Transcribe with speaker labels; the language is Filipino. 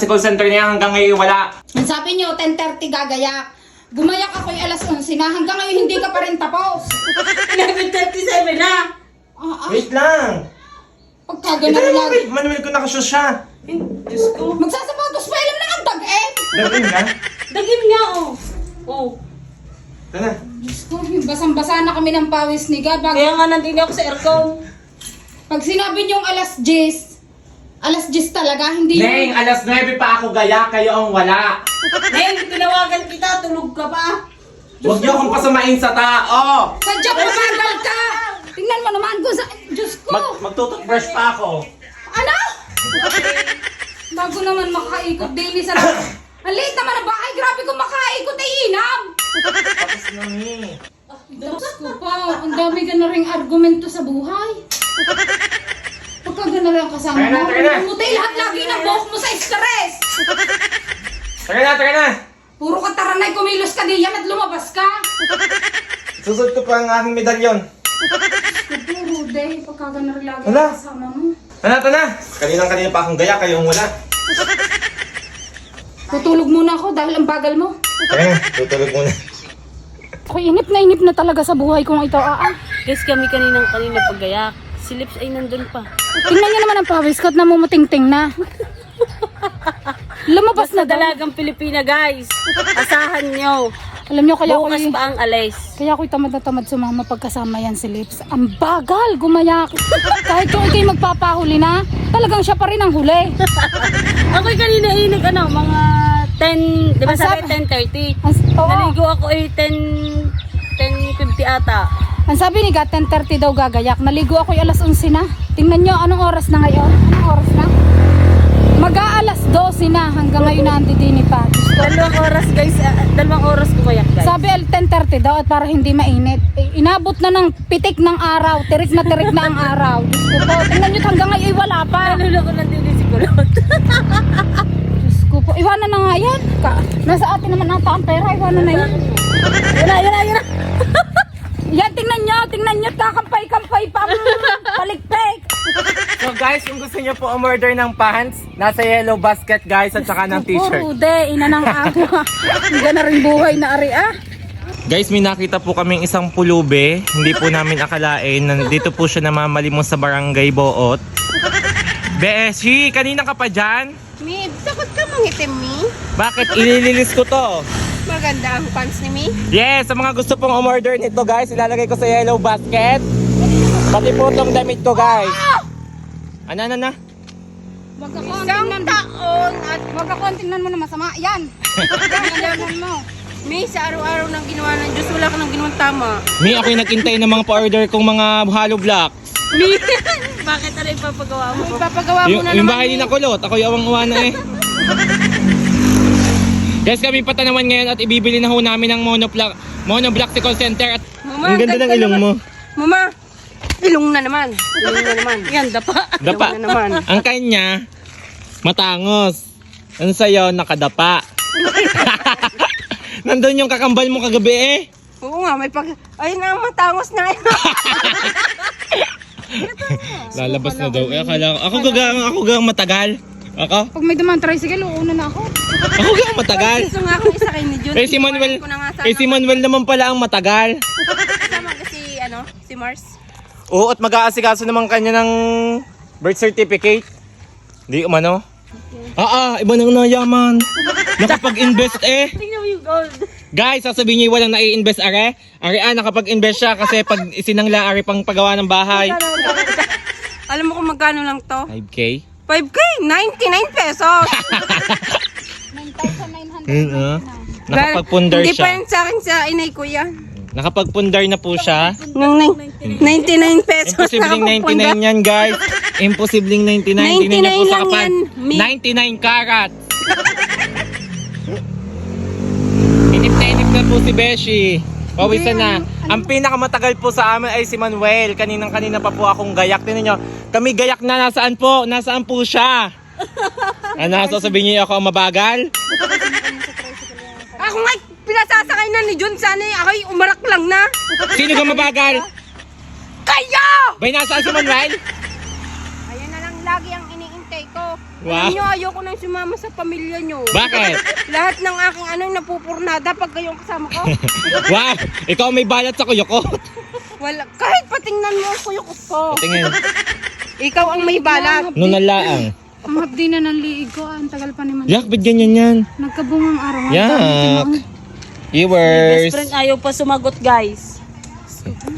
Speaker 1: sa call center niya hanggang ngayon wala.
Speaker 2: Ang sabi niyo, 10:30 gagayak. Gumayak ako yung alas 11 na. Hanggang ngayon hindi ka pa rin tapos.
Speaker 3: 11:37 na.
Speaker 1: Wait lang.
Speaker 2: Pagkagano
Speaker 1: Ito
Speaker 2: lang.
Speaker 1: naman, Manuel ko nakashoes siya.
Speaker 3: Diyos ko.
Speaker 2: Magsasapatos pa, alam na ang dag-eh.
Speaker 1: Dagin ka?
Speaker 3: Dagim nga, oh. Oh.
Speaker 1: Ito na.
Speaker 2: Diyos ko, basang-basa na kami ng pawis ni Gab.
Speaker 3: Kaya nga nandini ako sa aircon.
Speaker 2: Pag sinabi niyong alas 10 talaga, hindi
Speaker 1: Neng, alas 9 pa ako gaya, kayo ang wala.
Speaker 3: Neng, tinawagan kita, tulog ka pa.
Speaker 1: Huwag niyo akong pasamain sa tao.
Speaker 2: Sadya pumagal ka! Tingnan mo naman ko sa... Diyos ko!
Speaker 1: Magtututbrush pa ako.
Speaker 2: Ano? Bago naman makaikot daily sa... Ang liit naman ang bahay. Grabe kung makaikot ay inam!
Speaker 1: Tapos na ni.
Speaker 2: Diyos ko pa. Ang dami ka na ring argumento sa buhay. Pagka gana lang kasama
Speaker 1: Tara na,
Speaker 2: mo,
Speaker 1: tara na.
Speaker 2: pumutay lahat lagi ng buhok mo sa stress!
Speaker 1: Tara na.
Speaker 2: Puro ka taranay, kumilos ka diyan at lumabas ka!
Speaker 1: Susot ko pa ang aking medalyon.
Speaker 2: Puro day, pagka gana rin lagi
Speaker 1: Wala.
Speaker 2: kasama mo.
Speaker 1: Ito na. Kanina pa akong gaya, kayo ang wala.
Speaker 2: Tutulog muna ako dahil ang bagal mo.
Speaker 1: Tara na, tutulog muna.
Speaker 2: Ako inip na talaga sa buhay kong ito.
Speaker 3: Guys, kami kanina paggayak. Si Lips ay nandun pa.
Speaker 2: Tingnan niyo naman ang pawis ko at namumuting-ting na. Lumabas
Speaker 3: Basta
Speaker 2: na daw.
Speaker 3: dalagang Pilipina, guys. Asahan nyo.
Speaker 2: Alam niyo, kaya
Speaker 3: Bukas pa ang alis.
Speaker 2: Kaya ako'y tamad na tamad sumama pagkasama yan si Lips. Ang bagal, gumayak. Kahit kung ikaw'y magpapahuli na, talagang siya pa rin ang huli.
Speaker 3: Ako'y kanina mga 10, di ba
Speaker 2: Ang
Speaker 3: sabi
Speaker 2: sabi-
Speaker 3: 10:30?
Speaker 2: Oo.
Speaker 3: Naligo ako 10:50 ata.
Speaker 2: Ang sabi ni Gat, 10:30 daw gagayak. Naligo ako'y alas 11 na. Tingnan niyo, anong oras na ngayon? Anong oras na? Mag-aalas 12 na. Hanggang ngayon na andidini pa.
Speaker 3: Dalawang oras, guys. 2 oras gumayak, guys.
Speaker 2: Sabi 10:30 daw at para hindi mainit. Inabot na ng pitik ng araw. Tirik na ang araw. Diyos ko po. Tingnan niyo hanggang ngayon ay wala pa.
Speaker 3: Nalulo ko lang din si Kulot.
Speaker 2: Diyos ko po. Iwanan na nga yan. Nasa atin naman ata ang pera. Iwanan na yan.
Speaker 3: Yun na.
Speaker 2: Yan, tingnan nyo. Kakampay-kampay pa ang palikpik.
Speaker 1: So guys, kung gusto niyo po umorder ng pants, nasa yellow basket guys at saka ng t-shirt.
Speaker 2: Ude, ina ng awa. Hindi na rin buhay na ari
Speaker 1: Guys, may nakita po kaming isang pulube. Hindi po namin akalain. Nandito po siya namamalimos sa barangay Boot. Beshi, kanina ka pa dyan?
Speaker 4: Mi, sakot ka mangitim, Mi.
Speaker 1: Bakit? Ilililis ko to.
Speaker 4: Maganda ang pants ni Mi.
Speaker 1: Yes, sa mga gusto pong umorder nito guys, ilalagay ko sa yellow basket. Pati po itong damit ko guys. Ano?
Speaker 4: Isang taon at
Speaker 2: Wag ako, tingnan mo na masama. Yan. Tingnan mo.
Speaker 4: Mi, sa araw-araw ng ginawa ng Diyos, wala ka nang ginawang tama.
Speaker 1: May ako'y nagintay ng mga pa-order kong mga hollow block.
Speaker 4: Mi,
Speaker 3: Bakit ano ipapagawa mo?
Speaker 4: ipapagawa mo na
Speaker 1: Yung
Speaker 4: naman,
Speaker 1: bahay ni
Speaker 4: Mi.
Speaker 1: Nakulot, ako yung awang-uwa na eh. Guys, kami patanawan ngayon at ibibili na ho namin ng monoblock call center at
Speaker 4: Mama,
Speaker 1: ang ganda ng ilong mo.
Speaker 4: Mama, ilong na naman. Ilong na naman.
Speaker 3: Yan, dapa.
Speaker 1: Dapa.
Speaker 4: Ilong na naman.
Speaker 1: Ang kanya, matangos. Ang sa'yo, nakadapa. Nandun yung kakambal mo kagabi eh.
Speaker 4: Oo nga, may pag... Ayun na, matangos na.
Speaker 1: Lalabas na daw. Eh, akala ko, ako gang matagal. Ako?
Speaker 2: Pag may dumaan tricycle, uuna na ako.
Speaker 1: Ako gang matagal.
Speaker 4: Gusto nga akong isa kay ni Jun.
Speaker 1: Eh si Manuel,
Speaker 4: Ko na nga sana.
Speaker 1: si Manuel naman pala ang matagal.
Speaker 4: Kasama ka si Mars.
Speaker 1: Oo, at mag-aasikaso naman kanya ng birth certificate. Di umano? Iba nang nayaman. Nakapag-invest eh.
Speaker 3: Tingnan mo yung gold.
Speaker 1: Guys, sasabihin niyo walang nai-invest are. Nakapag-invest siya kasi pag isinangla are pang pagawa ng bahay.
Speaker 4: Alam mo kung magkano lang to?
Speaker 1: 5K?
Speaker 4: 5K, 99 pesos.
Speaker 2: 9,900.
Speaker 1: Nakapag-pundar
Speaker 4: Hindi pa
Speaker 1: siya.
Speaker 4: yan sa akin sa inay ko yan.
Speaker 1: Nakapag-pundar na po siya.
Speaker 4: Nung 99 pesos
Speaker 1: Imposibleng 99 yan, guys. Imposibleng 99. Hindi niya po
Speaker 4: 99
Speaker 1: sa
Speaker 4: lang
Speaker 1: kapal.
Speaker 4: yan.
Speaker 1: 99 karat. Inip na po si Beshi. Pawisan na. Ang pinakamatagal po sa amin ay si Manuel. Kanina pa po akong gayak. Tingnan nyo. Kami gayak na. Nasaan po? Nasaan po siya? Sasabihin niyo ako ang mabagal?
Speaker 4: Ako nga, pinasasakay na ni Jun. Sana ako'y umarak lang na.
Speaker 1: Sino ka mabagal?
Speaker 4: Kayo!
Speaker 1: Bay, nasaan si Manuel?
Speaker 4: Ayan na lang lagi ang iniintay ko.
Speaker 1: Wow.
Speaker 4: Alam nyo, ayoko nang sumama sa pamilya nyo.
Speaker 1: Bakit?
Speaker 4: Lahat ng aking napupurnada pag kayong kasama ko.
Speaker 1: Wow! Ikaw may balat sa kuyo ko.
Speaker 4: Wala. Kahit patingnan mo ang kuyok ko.
Speaker 1: Tingin.
Speaker 4: Ikaw ang may balat.
Speaker 1: Nung nalaang.
Speaker 2: Ang hapdi na ng liig ko. Ang tagal pa naman.
Speaker 1: Yak, ba't ganyan yan?
Speaker 2: Nagkabungang araw.
Speaker 1: Yak.
Speaker 3: Best
Speaker 1: Viewers.
Speaker 3: friend ayaw pa sumagot guys.